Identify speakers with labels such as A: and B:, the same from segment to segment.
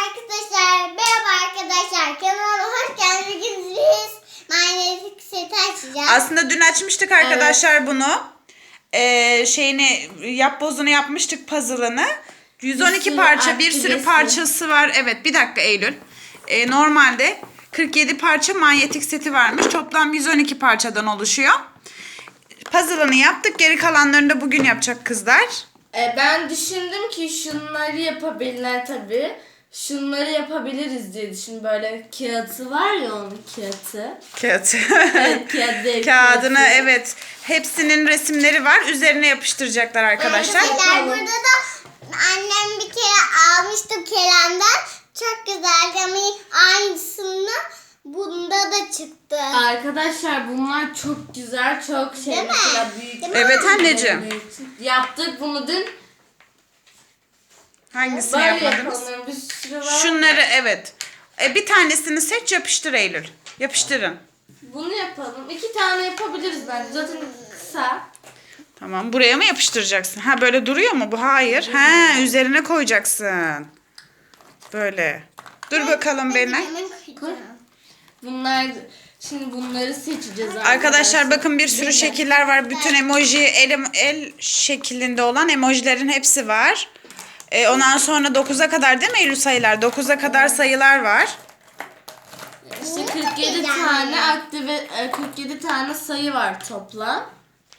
A: Arkadaşlar merhaba arkadaşlar, kanalıma hoş geldiniz. Magnetik seti açacağız.
B: Aslında dün açmıştık arkadaşlar bunu. Şeyini yapbozunu yapmıştık, puzzle'ını. 112 parça, bir sürü parçası var. Evet, bir dakika Eylül. Normalde 47 parça manyetik seti varmış. Toplam 112 parçadan oluşuyor. Puzzle'ını yaptık. Geri kalanlarını da bugün yapacak kızlar.
C: Ben düşündüm ki şunları yapabilirler tabii. Şunları yapabiliriz diye düşün. Böyle kağıtı var ya, onun kağıtı.
B: Kağıt.
C: Evet, kağıdı.
B: Kağıdına evet. Hepsinin resimleri var. Üzerine yapıştıracaklar arkadaşlar.
A: Arkadaşlar burada da annem bir kere almıştı Kerem'den. Çok güzeldi ama aynısını bunda da çıktı.
C: Arkadaşlar bunlar çok güzel, çok şey.
A: Değil mi?
C: Mesela büyük.
A: Değil mi?
B: Evet anneciğim.
C: Büyük. Yaptık bunu dün.
B: Hangisini
C: Böyle
B: yapmadınız?
C: yapalım. Bir sürü var.
B: Şunları evet. Bir tanesini seç, yapıştır Eylül. Yapıştırın.
C: Bunu yapalım. 2 tane yapabiliriz bence. Zaten kısa.
B: Tamam, buraya mı yapıştıracaksın? Ha, böyle duruyor mu bu? Hayır. Ha, üzerine koyacaksın. Böyle. Dur bakalım Belinay.
C: Bunlar şimdi bunları seçeceğiz
B: Arkadaşlar bakın, bir sürü şekiller var. Bütün emoji el şeklinde olan emojilerin hepsi var. Ondan sonra 9'a kadar değil mi Eylül sayılar? 9'a kadar sayılar var.
C: İşte 47 tane aktive 47 tane sayı var toplam.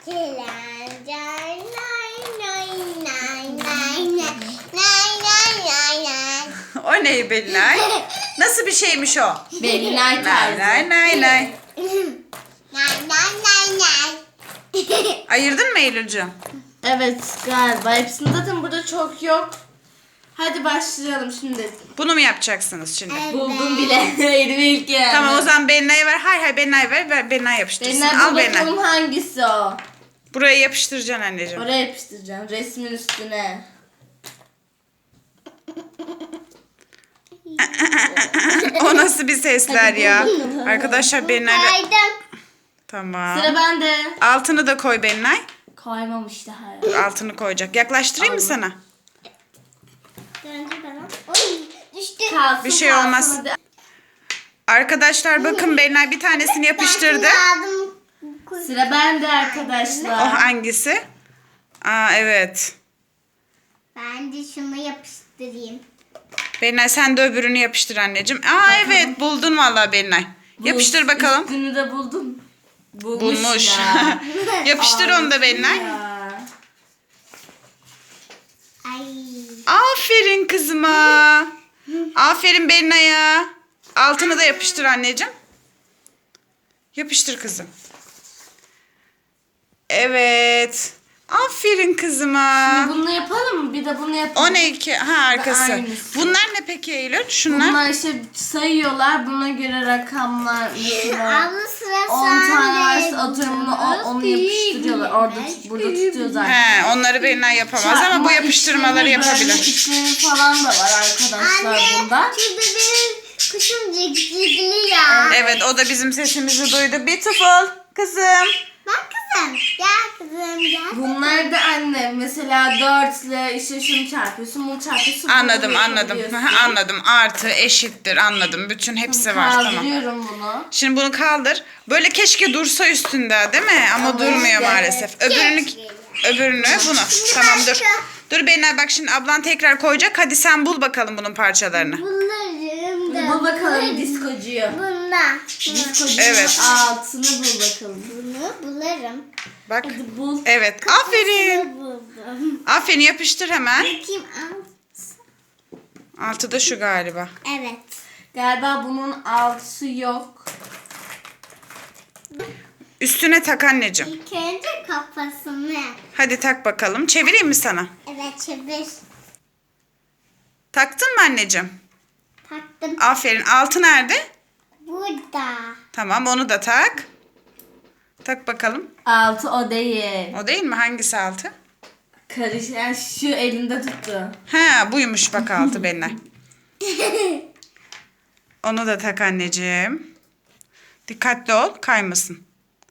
B: O ne Belinay? Nasıl bir şeymiş o?
C: Belinay
B: Nay
C: tarzı.
B: nay nay nay. Ayırdın mı Eylül'cüğüm?
C: Evet galiba. Hepsinde zaten burada çok yok. Hadi başlayalım şimdi.
B: Bunu mu yapacaksınız şimdi?
C: Buldum bile. Elime ilk geldi.
B: Tamam, o zaman Belinay'a ver. Hayır Belinay'a ver. Belinay yapıştırsın.
C: Belinay,
B: Al
C: bul
B: Belinay.
C: bakalım hangisi o.
B: Buraya yapıştıracaksın anneciğim.
C: Oraya yapıştıracağım. Resmin üstüne.
B: O nasıl bir sesler
C: Hadi
B: ya?
C: bul bakalım.
B: Arkadaşlar Belinay'la...
A: Kaydım.
B: Tamam.
C: Sıra bende.
B: Altını da koy Belinay.
C: Koymamış daha.
B: Dur, altını koyacak. Yaklaştırayım mı sana?
A: Oy, düştü.
C: Kalsın,
B: Bir şey
C: kalsın,
B: olmaz.
C: hadi.
B: Arkadaşlar bakın, Belinay bir tanesini yapıştırdı.
C: Sıra bende
B: O
C: arkadaşlar.
B: hangisi? Aa evet.
A: Ben de şunu yapıştırayım.
B: Belinay sen de öbürünü yapıştır anneciğim. Aa evet, buldun vallahi Belinay. Yapıştır bakalım.
C: Üstünü de buldum.
B: Bulmuş.
C: Ya.
B: Yapıştır onu da Belinay.
C: Ya.
A: Ay.
B: Aferin kızıma. Aferin Belinay'a. Altını da yapıştır anneciğim. Yapıştır kızım. Evet. Aferin kızıma.
C: Bunu yapalım mı? Bir de bunu yapalım.
B: O ne ki? Ha, arkası.
C: Aynısı.
B: Bunlar ne peki Eylül? Şunlar.
C: Bunlar işte sayıyorlar. Buna göre rakamlar mesela.
A: Abla sıra
C: 10 tane varsa
A: sende.
C: atıyorum onu yapıştırıyorlar. Orada burada tutuyor zaten.
B: He, onları Belinay yapamaz ama bu yapıştırmaları yapabilir.
C: İşlemi falan da var arkadaşlar bunda.
A: Şurada benim kuşum cikcikliyor.
B: Evet, o da bizim sesimizi duydu. Beautiful kızım.
A: Bak kızım. Gel kızım gel.
C: Bunlar da anne mesela 4 ile işte şunu çarpıyorsun, bunu çarpıyorsun.
B: Anladım
C: bunu
B: anladım.
C: yapabiliyorsun.
B: Anladım. Artı eşittir, anladım. Bütün hepsi var, tamam.
C: Kaldırıyorum bunu.
B: Şimdi bunu kaldır. Böyle keşke dursa üstünde değil mi? Ama durmuyor maalesef. Öbürünü bunu. Tamam dur. Dur Belinay, bak şimdi ablan tekrar koyacak. Hadi sen bul bakalım bunun parçalarını.
A: Bunlarım da.
C: Bul bakalım diskocuyu.
A: Bunda.
C: Diskocunun
B: Evet.
C: altını bul bakalım.
A: Bunu bularım.
B: Bak.
C: Hadi bul.
B: Evet. Aferin.
A: Bunu buldum.
B: Aferin, yapıştır hemen.
A: Bakayım al.
B: Altı da şu galiba.
A: Evet.
C: Galiba bunun altısı yok.
B: Üstüne tak anneciğim.
A: İlk önce kafasını.
B: Hadi tak bakalım. Çevireyim mi sana?
A: Evet çevir.
B: Taktın mı anneciğim?
A: Taktım.
B: Aferin. Altı nerede?
A: Burada.
B: Tamam, onu da tak. Tak bakalım.
C: Altı o değil.
B: O değil mi? Hangisi altı?
C: Yani şu elinde tuttu.
B: Ha, buymuş bak altı Belinay. Onu da tak anneciğim. Dikkatli ol, kaymasın.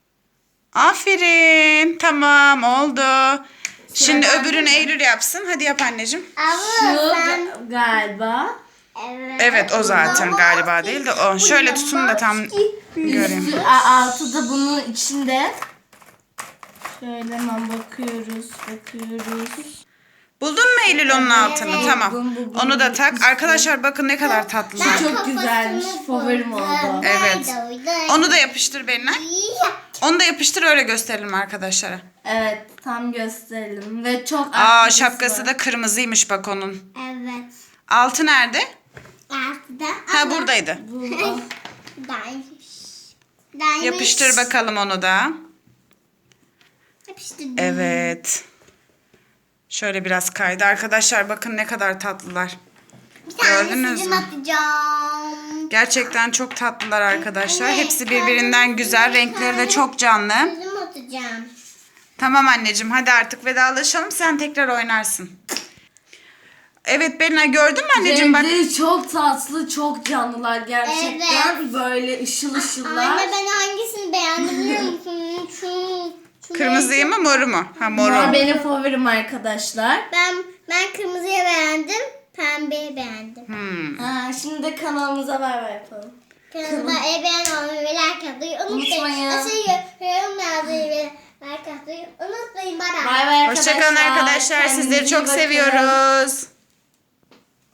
B: Aferin. Tamam, oldu. Şimdi
C: bende
B: öbürünü
C: mi?
B: Eylül yapsın. Hadi yap anneciğim.
C: Şu
A: Abla sen.
C: galiba.
B: Evet o zaten galiba değil de o. Şöyle tutun da tam göreyim.
C: Üstü, altı da bunun içinde. Şöyle hemen bakıyoruz.
B: Buldun mu Eylül onun altını?
A: Evet.
B: Tamam.
C: Buldum.
B: Onu da tak. Arkadaşlar bakın ne kadar tatlılar.
C: Çok güzelmiş. Favorim oldu.
B: Evet. Onu da yapıştır Belinay. Onu da yapıştır öyle gösterelim arkadaşlara.
C: Evet, tam gösterelim ve çok
B: Aa
C: aktivitesi
B: şapkası
C: var.
B: da kırmızıymış bak onun.
A: Evet.
B: Altı nerede?
A: Altıda.
B: Ha buradaydı.
A: Daymış.
B: Yapıştır bakalım onu da.
A: Yapıştır.
B: Evet. Şöyle biraz kaydı. Arkadaşlar bakın ne kadar tatlılar.
A: Bir tane
B: Gördünüz
A: sizin
B: mü?
A: atacağım.
B: Gerçekten çok tatlılar arkadaşlar. Hepsi birbirinden güzel. Renkleri de çok canlı.
A: Sizin atacağım.
B: Tamam anneciğim hadi artık vedalaşalım. Sen tekrar oynarsın. Evet Belinay gördün mü anneciğim bak.
C: Renkleri çok tatlı, çok canlılar gerçekten.
A: Evet.
C: Böyle ışıl ışıllar.
A: Anne ben hangisini beğendim biliyor musun? Şu
B: Kırmızıyı mı moru mu? Ha moru.
C: Mor benim favorim arkadaşlar.
A: Ben kırmızıya beğendim. Pembeyi beğendim.
C: Şimdi de kanalımıza bay bay yapalım.
A: Kanalıma beğen olmayı ve like atmayı unutmayın.
C: Unutmayın.
A: Yorum yazmayı ve like atmayı unutmayın. Bye bye.
C: Bay bay arkadaşlar.
B: Hoşçakalın arkadaşlar.
C: Kendinize
B: Sizleri
C: iyi
B: çok
C: bakın.
B: seviyoruz.